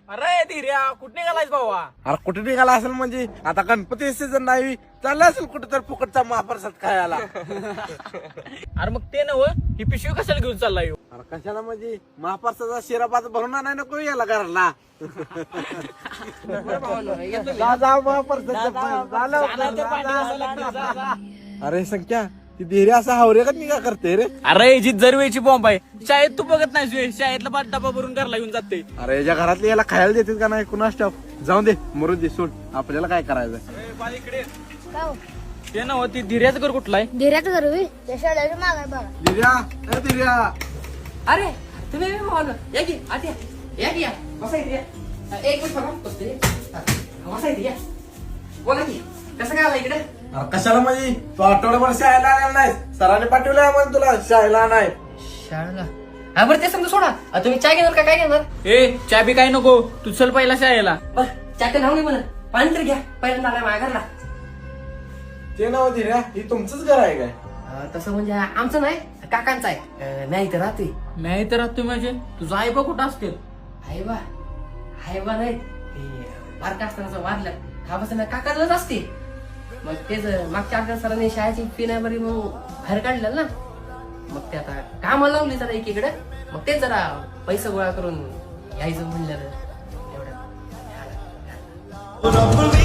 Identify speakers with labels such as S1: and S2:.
S1: अरे धीर्या कुठे निघालायस भावा?
S2: अरे कुठे निघाला असेल म्हणजे आता गणपती सीझन नाही चालला असेल कुठे तर फुकटचा महाप्रसाद खायला.
S1: अरे मग ते नव ही पिशवी कशाला घेऊन चाललाय ह्यो?
S2: अरे कशाला म्हणजे महाप्रसादाचा शिरापात भरून आणाय नको याला घराला. जा महाप्रसाद अरे संख्या ती धीरे असा हावरे का निघा करते रे.
S1: अरे जी जरवेची बॉम्ब आहे. शाळेत तू बघत नाही शाळेतला पाच डबा भरून घरला घेऊन जाते.
S2: अरे याच्या घरातले याला खायला देतात का नाही कुणास ठाऊक. जाऊन दे मरून दे सोड आपल्याला काय करायचं.
S1: ते नव ती धीर्याचं घर कुठला आहे?
S3: धीर्याचं घर होई त्या शाळेच्या मागे बघा.
S2: धीर्या धीर्या
S4: अरे तुम्ही या की आत या की या बसा इथे या. एक मिनिट बघा बसते बसा इथे या. बोला की कसं काय आला इकडे?
S2: अरे कशाला म्हणजे तू आठवड्याभर शाळेला आलेला नाही सरांनी पाठवलं आम्हाला तुला शाळेला नाही.
S4: शाळेला हा बरं ते समजा सोडा. तुम्ही चाय घेणार का काय घेणार?
S1: ए चहा बी काय नको तू चल पहिला शाळेला.
S4: बरं चाय तर नाव नाही म्हणत पाणी तर घ्या पहिल्यांदा आलाय माझ्या घरला.
S2: ते नाव धीर्या ही तुमचंच घर आहे काय?
S4: तसं म्हणजे आमचं नाही काकांचं आहे. नाही तर राहते
S1: नाही तर तुम्ही म्हणजे तुझा आई बा कुठं असते?
S4: हाय बा नाही बारका असताना वाढलं खापासून काकाच असते. मग तेच मागच्या आठवड्यात सरांनी शाळेची फी नाही बरी मग बाहेर काढलं ना. मग ते आता कामाला लावली जरा एकीकडे. मग तेच जरा पैसे गोळा करून यायचं म्हणलं एवढं.